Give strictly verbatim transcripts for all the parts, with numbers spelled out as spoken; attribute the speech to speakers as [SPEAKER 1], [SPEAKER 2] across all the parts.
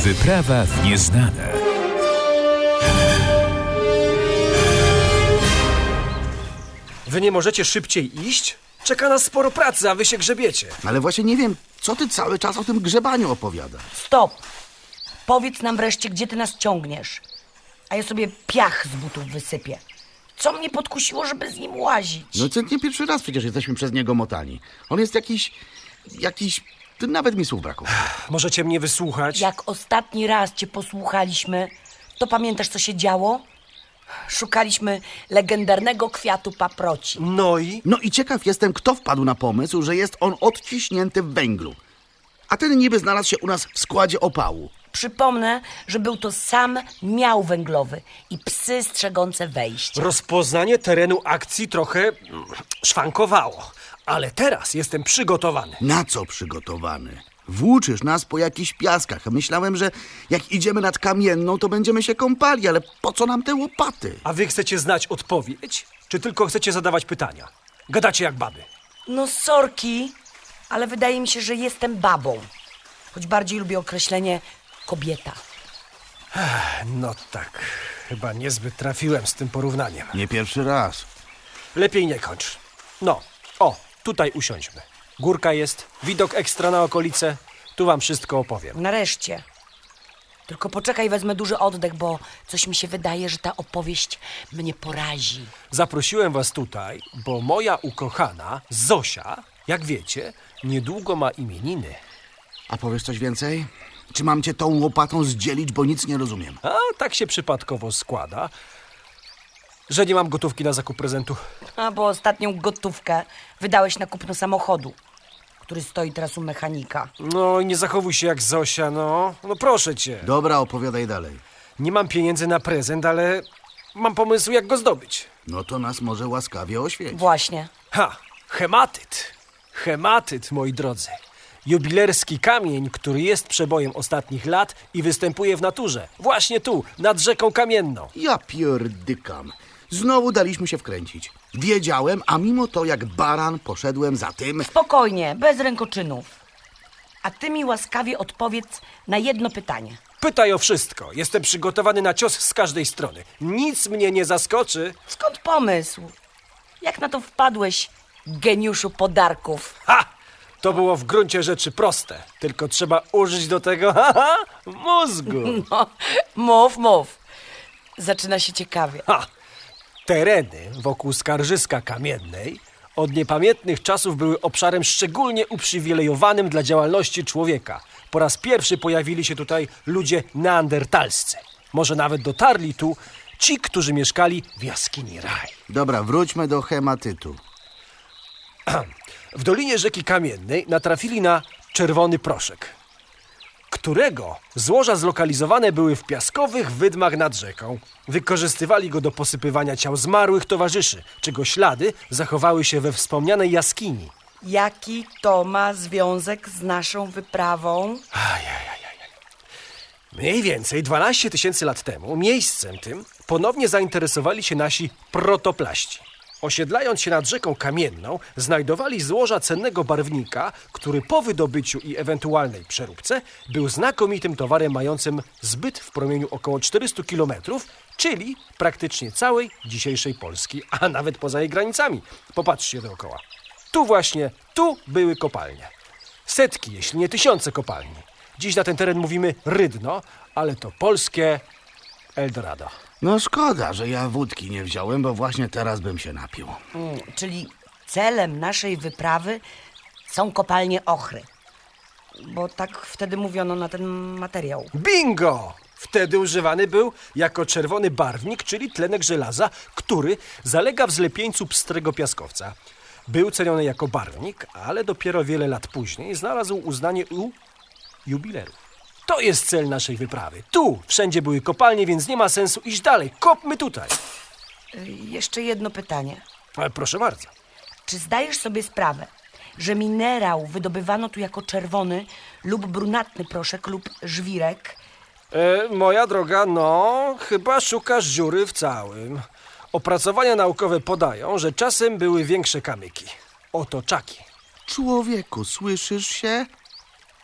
[SPEAKER 1] Wyprawa w nieznane.
[SPEAKER 2] Wy nie możecie szybciej iść? Czeka nas sporo pracy, a wy się grzebiecie.
[SPEAKER 3] Ale właśnie nie wiem, co ty cały czas o tym grzebaniu opowiadasz.
[SPEAKER 4] Stop! Powiedz nam wreszcie, gdzie ty nas ciągniesz. A ja sobie piach z butów wysypię. Co mnie podkusiło, żeby z nim łazić?
[SPEAKER 3] No to nie pierwszy raz przecież jesteśmy przez niego motani. On jest jakiś... jakiś... Ty nawet mi słów brakuje.
[SPEAKER 2] Możecie mnie wysłuchać?
[SPEAKER 4] Jak ostatni raz cię posłuchaliśmy, to pamiętasz, co się działo? Szukaliśmy legendarnego kwiatu paproci.
[SPEAKER 2] No i?
[SPEAKER 3] No i ciekaw jestem, kto wpadł na pomysł, że jest on odciśnięty w węglu. A ten niby znalazł się u nas w składzie opału.
[SPEAKER 4] Przypomnę, że był to sam miał węglowy i psy strzegące wejścia.
[SPEAKER 2] Rozpoznanie terenu akcji trochę mm, szwankowało. Ale teraz jestem przygotowany.
[SPEAKER 3] Na co przygotowany? Włóczysz nas po jakichś piaskach. Myślałem, że jak idziemy nad Kamienną, to będziemy się kąpali, ale po co nam te łopaty?
[SPEAKER 2] A wy chcecie znać odpowiedź? Czy tylko chcecie zadawać pytania? Gadacie jak baby.
[SPEAKER 4] No sorki, ale wydaje mi się, że jestem babą. Choć bardziej lubię określenie kobieta.
[SPEAKER 2] No tak, chyba niezbyt trafiłem z tym porównaniem.
[SPEAKER 3] Nie pierwszy raz.
[SPEAKER 2] Lepiej nie kończ. No, o, tutaj usiądźmy. Górka jest, widok ekstra na okolice. Tu wam wszystko opowiem.
[SPEAKER 4] Nareszcie. Tylko poczekaj, wezmę duży oddech, bo coś mi się wydaje, że ta opowieść mnie porazi.
[SPEAKER 2] Zaprosiłem was tutaj, bo moja ukochana Zosia, jak wiecie, niedługo ma imieniny.
[SPEAKER 3] A powiesz coś więcej? Czy mam cię tą łopatą zdzielić, bo nic nie rozumiem?
[SPEAKER 2] A tak się przypadkowo składa, że nie mam gotówki na zakup prezentu.
[SPEAKER 4] A bo ostatnią gotówkę wydałeś na kupno samochodu, który stoi teraz u mechanika.
[SPEAKER 2] No i nie zachowuj się jak Zosia, no. No proszę cię.
[SPEAKER 3] Dobra, opowiadaj dalej.
[SPEAKER 2] Nie mam pieniędzy na prezent, ale mam pomysł, jak go zdobyć.
[SPEAKER 3] No to nas może łaskawie oświeć.
[SPEAKER 4] Właśnie.
[SPEAKER 2] Ha, hematyt. Hematyt, moi drodzy. Jubilerski kamień, który jest przebojem ostatnich lat i występuje w naturze. Właśnie tu, nad rzeką Kamienną.
[SPEAKER 3] Ja pierdykam. Znowu daliśmy się wkręcić. Wiedziałem, a mimo to jak baran poszedłem za tym...
[SPEAKER 4] Spokojnie, bez rękoczynów. A ty mi łaskawie odpowiedz na jedno pytanie.
[SPEAKER 2] Pytaj o wszystko. Jestem przygotowany na cios z każdej strony. Nic mnie nie zaskoczy.
[SPEAKER 4] Skąd pomysł? Jak na to wpadłeś, geniuszu podarków?
[SPEAKER 2] Ha! To było w gruncie rzeczy proste. Tylko trzeba użyć do tego, haha, mózgu.
[SPEAKER 4] No, mów, mów. Zaczyna się ciekawie.
[SPEAKER 2] Ha! Tereny wokół Skarżyska Kamiennej od niepamiętnych czasów były obszarem szczególnie uprzywilejowanym dla działalności człowieka. Po raz pierwszy pojawili się tutaj ludzie neandertalscy. Może nawet dotarli tu ci, którzy mieszkali w jaskini Raj.
[SPEAKER 3] Dobra, wróćmy do hematytu.
[SPEAKER 2] W dolinie rzeki Kamiennej natrafili na czerwony proszek, którego złoża zlokalizowane były w piaskowych wydmach nad rzeką. Wykorzystywali go do posypywania ciał zmarłych towarzyszy, czego ślady zachowały się we wspomnianej jaskini.
[SPEAKER 4] Jaki to ma związek z naszą wyprawą?
[SPEAKER 2] Mniej więcej dwanaście tysięcy lat temu miejscem tym ponownie zainteresowali się nasi protoplaści. Osiedlając się nad rzeką Kamienną, znajdowali złoża cennego barwnika, który po wydobyciu i ewentualnej przeróbce był znakomitym towarem mającym zbyt w promieniu około czterystu kilometrów, czyli praktycznie całej dzisiejszej Polski, a nawet poza jej granicami. Popatrzcie dookoła. Tu właśnie, tu były kopalnie. Setki, jeśli nie tysiące kopalni. Dziś na ten teren mówimy Rydno, ale to polskie Eldorado.
[SPEAKER 3] No szkoda, że ja wódki nie wziąłem, bo właśnie teraz bym się napił.
[SPEAKER 4] Mm, czyli celem naszej wyprawy są kopalnie ochry. Bo tak wtedy mówiono na ten materiał.
[SPEAKER 2] Bingo! Wtedy używany był jako czerwony barwnik, czyli tlenek żelaza, który zalega w zlepieńcu pstrego piaskowca. Był ceniony jako barwnik, ale dopiero wiele lat później znalazł uznanie u jubilerów. To jest cel naszej wyprawy. Tu wszędzie były kopalnie, więc nie ma sensu iść dalej. Kopmy tutaj.
[SPEAKER 4] Y, jeszcze jedno pytanie.
[SPEAKER 2] Ale proszę bardzo.
[SPEAKER 4] Czy zdajesz sobie sprawę, że minerał wydobywano tu jako czerwony lub brunatny proszek lub żwirek?
[SPEAKER 2] E, moja droga, no, chyba szukasz dziury w całym. Opracowania naukowe podają, że czasem były większe kamyki. Oto czaki.
[SPEAKER 3] Człowieku, słyszysz się?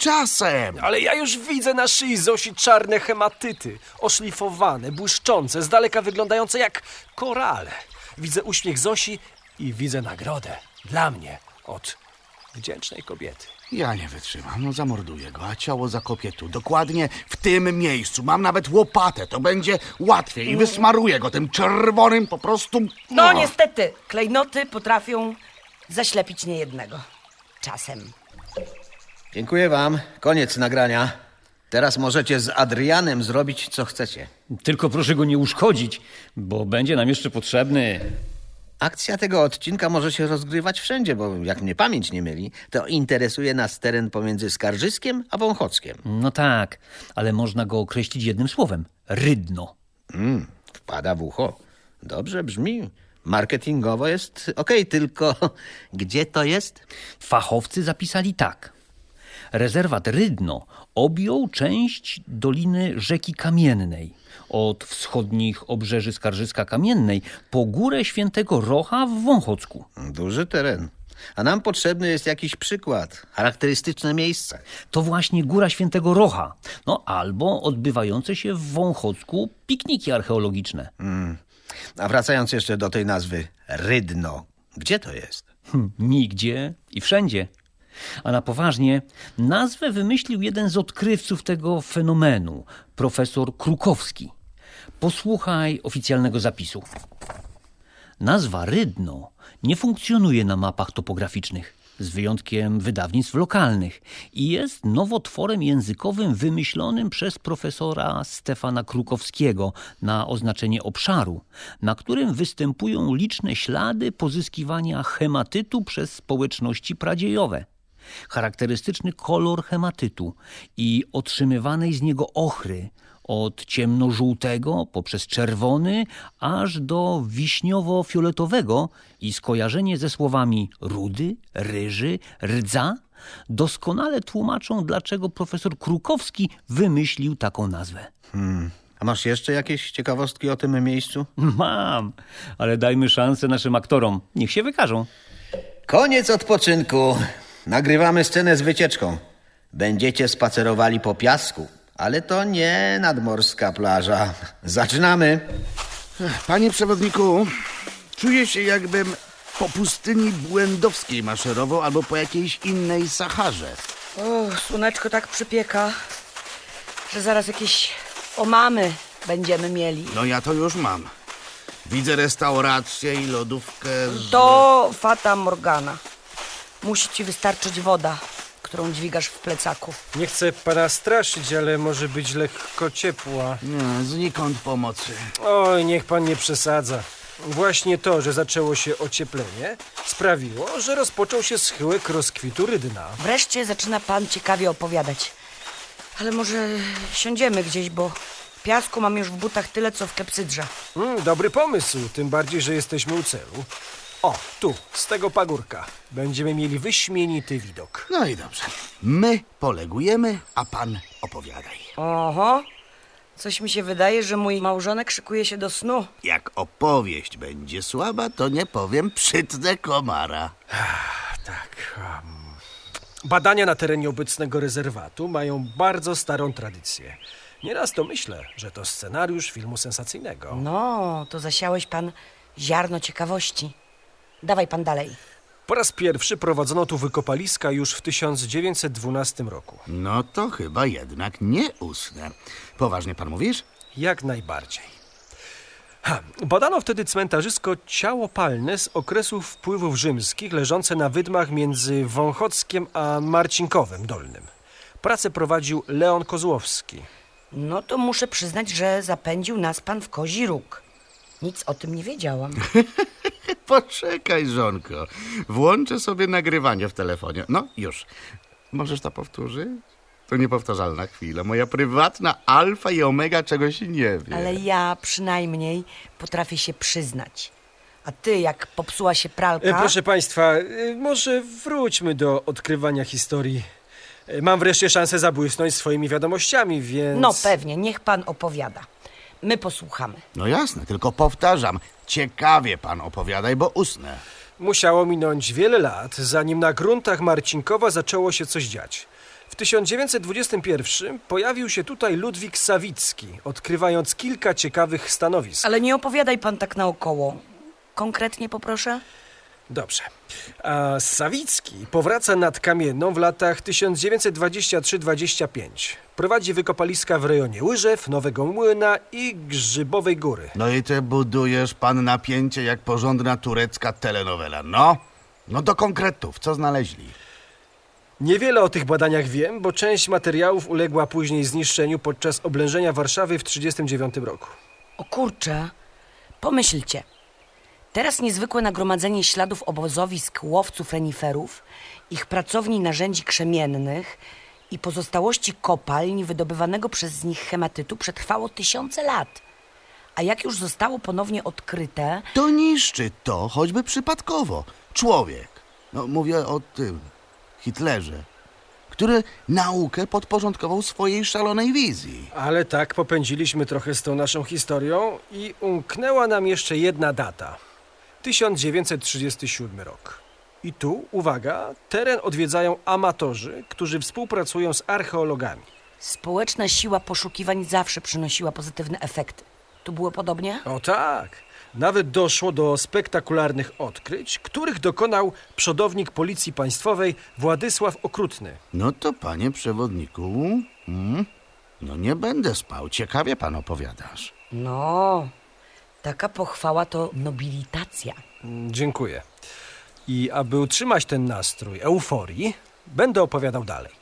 [SPEAKER 3] czasem.
[SPEAKER 2] Ale ja już widzę na szyi Zosi czarne hematyty, oszlifowane, błyszczące, z daleka wyglądające jak korale. Widzę uśmiech Zosi i widzę nagrodę dla mnie od wdzięcznej kobiety.
[SPEAKER 3] Ja nie wytrzymam, no zamorduję go, a ciało zakopię tu, dokładnie w tym miejscu. Mam nawet łopatę, to będzie łatwiej i wysmaruję go tym czerwonym po prostu...
[SPEAKER 4] No niestety, klejnoty potrafią zaślepić niejednego. Czasem.
[SPEAKER 5] Dziękuję wam. Koniec nagrania. Teraz możecie z Adrianem zrobić, co chcecie.
[SPEAKER 1] Tylko proszę go nie uszkodzić, bo będzie nam jeszcze potrzebny.
[SPEAKER 5] Akcja tego odcinka może się rozgrywać wszędzie, bo jak mnie pamięć nie myli, to interesuje nas teren pomiędzy Skarżyskiem a Wąchockiem.
[SPEAKER 1] No tak, ale można go określić jednym słowem. Rydno.
[SPEAKER 5] Mm, wpada w ucho. Dobrze brzmi. Marketingowo jest okej, tylko gdzie to jest?
[SPEAKER 1] Fachowcy zapisali tak. Rezerwat Rydno objął część doliny rzeki Kamiennej, od wschodnich obrzeży Skarżyska Kamiennej po górę Świętego Rocha w Wąchocku.
[SPEAKER 5] Duży teren. A nam potrzebny jest jakiś przykład, charakterystyczne miejsce.
[SPEAKER 1] To właśnie Góra Świętego Rocha, no albo odbywające się w Wąchocku pikniki archeologiczne.
[SPEAKER 5] Mm. A wracając jeszcze do tej nazwy Rydno, gdzie to jest?
[SPEAKER 1] Hm, nigdzie i wszędzie. A na poważnie, nazwę wymyślił jeden z odkrywców tego fenomenu, profesor Krukowski. Posłuchaj oficjalnego zapisu. Nazwa Rydno nie funkcjonuje na mapach topograficznych, z wyjątkiem wydawnictw lokalnych, i jest nowotworem językowym wymyślonym przez profesora Stefana Krukowskiego na oznaczenie obszaru, na którym występują liczne ślady pozyskiwania hematytu przez społeczności pradziejowe. Charakterystyczny kolor hematytu i otrzymywanej z niego ochry, od ciemnożółtego poprzez czerwony aż do wiśniowo-fioletowego, i skojarzenie ze słowami rudy, ryży, rdza doskonale tłumaczą, dlaczego profesor Krukowski wymyślił taką nazwę.
[SPEAKER 5] Hmm. A masz jeszcze jakieś ciekawostki o tym miejscu?
[SPEAKER 1] Mam, ale dajmy szansę naszym aktorom. Niech się wykażą.
[SPEAKER 5] Koniec odpoczynku. Nagrywamy scenę z wycieczką. Będziecie spacerowali po piasku, ale to nie nadmorska plaża. Zaczynamy.
[SPEAKER 3] Panie przewodniku, czuję się, jakbym po pustyni błędowskiej maszerował albo po jakiejś innej Saharze.
[SPEAKER 4] O, słoneczko tak przypieka, że zaraz jakieś omamy będziemy mieli.
[SPEAKER 3] No ja to już mam. Widzę restaurację i lodówkę z...
[SPEAKER 4] To Fata Morgana. Musi ci wystarczyć woda, którą dźwigasz w plecaku.
[SPEAKER 2] Nie chcę pana straszyć, ale może być lekko ciepła.
[SPEAKER 3] Nie, znikąd pomocy.
[SPEAKER 2] Oj, niech pan nie przesadza. Właśnie to, że zaczęło się ocieplenie, sprawiło, że rozpoczął się schyłek rozkwitu Rydna.
[SPEAKER 4] Wreszcie zaczyna pan ciekawie opowiadać. Ale może siądziemy gdzieś, bo piasku mam już w butach tyle, co w klepsydrze.
[SPEAKER 2] Mm, dobry pomysł, tym bardziej, że jesteśmy u celu. O, tu, z tego pagórka. Będziemy mieli wyśmienity widok.
[SPEAKER 3] No i dobrze. My polegujemy, a pan opowiadaj.
[SPEAKER 4] Oho, coś mi się wydaje, że mój małżonek szykuje się do snu.
[SPEAKER 3] Jak opowieść będzie słaba, to nie powiem, przytnę komara.
[SPEAKER 2] Tak. Um, badania na terenie obecnego rezerwatu mają bardzo starą tradycję. Nieraz to myślę, że to scenariusz filmu sensacyjnego.
[SPEAKER 4] No, to zasiałeś pan ziarno ciekawości. Dawaj pan dalej.
[SPEAKER 2] Po raz pierwszy prowadzono tu wykopaliska już w tysiąc dziewięćset dwunastym roku.
[SPEAKER 3] No to chyba jednak nie usnę. Poważnie pan mówisz?
[SPEAKER 2] Jak najbardziej. Ha, badano wtedy cmentarzysko ciało palne z okresów wpływów rzymskich leżące na wydmach między Wąchockiem a Marcinkowem Dolnym. Pracę prowadził Leon Kozłowski.
[SPEAKER 4] No to muszę przyznać, że zapędził nas pan w kozi róg. Nic o tym nie wiedziałam.
[SPEAKER 3] Poczekaj, żonko. Włączę sobie nagrywanie w telefonie. No, już. Możesz to powtórzyć? To niepowtarzalna chwila. Moja prywatna alfa i omega czegoś nie wie.
[SPEAKER 4] Ale ja przynajmniej potrafię się przyznać. A ty, jak popsuła się pralka...
[SPEAKER 2] E, proszę państwa, e, może wróćmy do odkrywania historii. E, Mam wreszcie szansę zabłysnąć swoimi wiadomościami, więc...
[SPEAKER 4] No pewnie, niech pan opowiada. My posłuchamy.
[SPEAKER 3] No jasne, tylko powtarzam. Ciekawie pan opowiadaj, bo usnę.
[SPEAKER 2] Musiało minąć wiele lat, zanim na gruntach Marcinkowa zaczęło się coś dziać. W tysiąc dziewięćset dwudziestym pierwszym pojawił się tutaj Ludwik Sawicki, odkrywając kilka ciekawych stanowisk.
[SPEAKER 4] Ale nie opowiadaj pan tak naokoło. Konkretnie poproszę?
[SPEAKER 2] Dobrze. A Sawicki powraca nad Kamienną w latach tysiąc dziewięćset dwudziestym trzecim do dwudziestego piątego. Prowadzi wykopaliska w rejonie Łyżew, Nowego Młyna i Grzybowej Góry.
[SPEAKER 3] No i ty budujesz pan napięcie jak porządna turecka telenowela. No, no do konkretów, co znaleźli?
[SPEAKER 2] Niewiele o tych badaniach wiem, bo część materiałów uległa później zniszczeniu podczas oblężenia Warszawy w tysiąc dziewięćset trzydziestym dziewiątym roku.
[SPEAKER 4] O kurczę, pomyślcie. Teraz niezwykłe nagromadzenie śladów obozowisk łowców reniferów, ich pracowni narzędzi krzemiennych i pozostałości kopalń wydobywanego przez nich hematytu przetrwało tysiące lat. A jak już zostało ponownie odkryte,
[SPEAKER 3] To niszczy to, choćby przypadkowo. Człowiek, no mówię o tym, Hitlerze, który naukę podporządkował swojej szalonej wizji.
[SPEAKER 2] Ale tak popędziliśmy trochę z tą naszą historią i umknęła nam jeszcze jedna data. tysiąc dziewięćset trzydziesty siódmy rok. I tu, uwaga, teren odwiedzają amatorzy, którzy współpracują z archeologami.
[SPEAKER 4] społeczna siła poszukiwań zawsze przynosiła pozytywne efekty. Tu było podobnie?
[SPEAKER 2] O tak, nawet doszło do spektakularnych odkryć, których dokonał przodownik Policji Państwowej Władysław Okrutny.
[SPEAKER 3] No to panie przewodniku, hmm, no nie będę spał, ciekawie pan opowiadasz.
[SPEAKER 4] No, taka pochwała to nobilitacja.
[SPEAKER 2] Mm, Dziękuję. I aby utrzymać ten nastrój euforii, będę opowiadał dalej.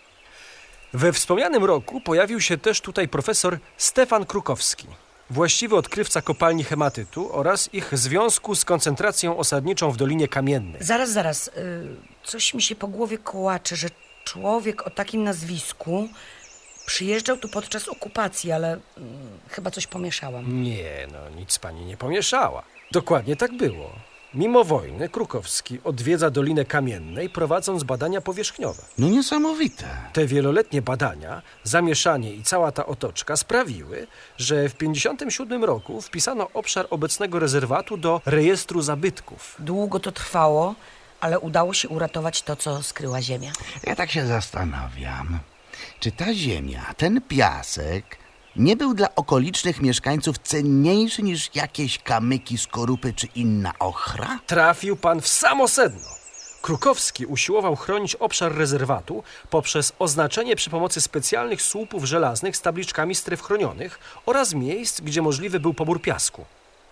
[SPEAKER 2] We wspomnianym roku pojawił się też tutaj profesor Stefan Krukowski, właściwy odkrywca kopalni hematytu oraz ich związku z koncentracją osadniczą w Dolinie Kamiennej.
[SPEAKER 4] Zaraz, zaraz. y, Coś mi się po głowie kołacze, że człowiek o takim nazwisku przyjeżdżał tu podczas okupacji, ale y, chyba coś pomieszałam.
[SPEAKER 2] Nie, no nic pani nie pomieszała. Dokładnie tak było. Mimo wojny Krukowski odwiedza Dolinę Kamiennej, prowadząc badania powierzchniowe.
[SPEAKER 3] No niesamowite.
[SPEAKER 2] Te wieloletnie badania, zamieszanie i cała ta otoczka sprawiły, że w tysiąc dziewięćset pięćdziesiątym siódmym roku wpisano obszar obecnego rezerwatu do rejestru zabytków.
[SPEAKER 4] Długo to trwało, ale udało się uratować to, co skryła ziemia.
[SPEAKER 3] Ja tak się zastanawiam, czy ta ziemia, ten piasek nie był dla okolicznych mieszkańców cenniejszy niż jakieś kamyki, skorupy czy inna ochra?
[SPEAKER 2] Trafił pan w samo sedno. Krukowski usiłował chronić obszar rezerwatu poprzez oznaczenie przy pomocy specjalnych słupów żelaznych z tabliczkami stref chronionych oraz miejsc, gdzie możliwy był pobór piasku.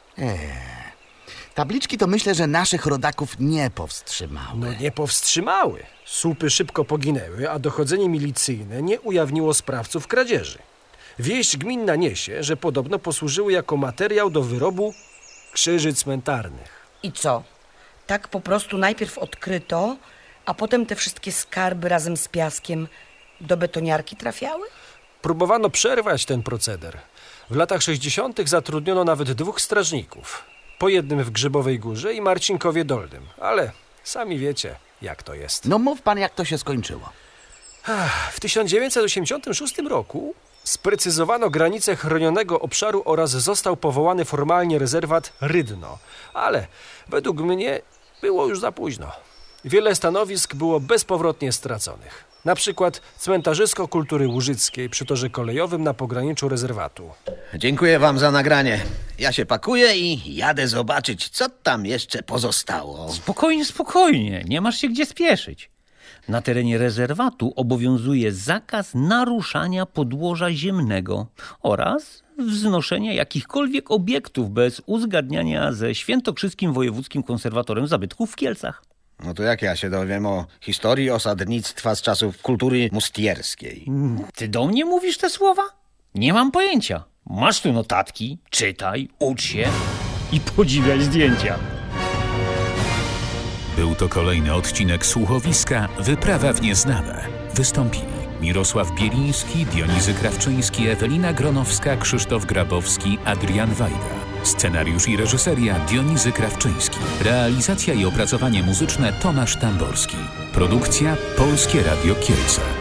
[SPEAKER 3] Tabliczki to myślę, że naszych rodaków nie powstrzymały.
[SPEAKER 2] No nie powstrzymały. Słupy szybko poginęły, a dochodzenie milicyjne nie ujawniło sprawców kradzieży. Wieść gminna niesie, że podobno posłużyły jako materiał do wyrobu krzyży cmentarnych.
[SPEAKER 4] I co? Tak po prostu najpierw odkryto, a potem te wszystkie skarby razem z piaskiem do betoniarki trafiały?
[SPEAKER 2] Próbowano przerwać ten proceder. W latach sześćdziesiątych zatrudniono nawet dwóch strażników. Po jednym w Grzybowej Górze i Marcinkowie Dolnym. Ale sami wiecie, jak to jest.
[SPEAKER 3] No mów pan, jak to się skończyło.
[SPEAKER 2] W tysiąc dziewięćset osiemdziesiątym szóstym roku sprecyzowano granice chronionego obszaru oraz został powołany formalnie rezerwat Rydno. Ale według mnie było już za późno. Wiele stanowisk było bezpowrotnie straconych. Na przykład cmentarzysko kultury łużyckiej przy torze kolejowym na pograniczu rezerwatu.
[SPEAKER 5] Dziękuję wam za nagranie. Ja się pakuję i jadę zobaczyć, co tam jeszcze pozostało.
[SPEAKER 1] Spokojnie, spokojnie, nie masz się gdzie spieszyć. Na terenie rezerwatu obowiązuje zakaz naruszania podłoża ziemnego oraz wznoszenia jakichkolwiek obiektów bez uzgadniania ze Świętokrzyskim Wojewódzkim Konserwatorem Zabytków w Kielcach.
[SPEAKER 5] No to jak ja się dowiem o historii osadnictwa z czasów kultury mustierskiej?
[SPEAKER 1] Ty do mnie mówisz te słowa? Nie mam pojęcia. Masz tu notatki, czytaj, ucz się i podziwiaj zdjęcia.
[SPEAKER 6] Był to kolejny odcinek słuchowiska Wyprawa w nieznane. Wystąpili Mirosław Bieliński, Dionizy Krawczyński, Ewelina Gronowska, Krzysztof Grabowski, Adrian Wajda. Scenariusz i reżyseria Dionizy Krawczyński. Realizacja i opracowanie muzyczne Tomasz Tamborski. Produkcja Polskie Radio Kielce.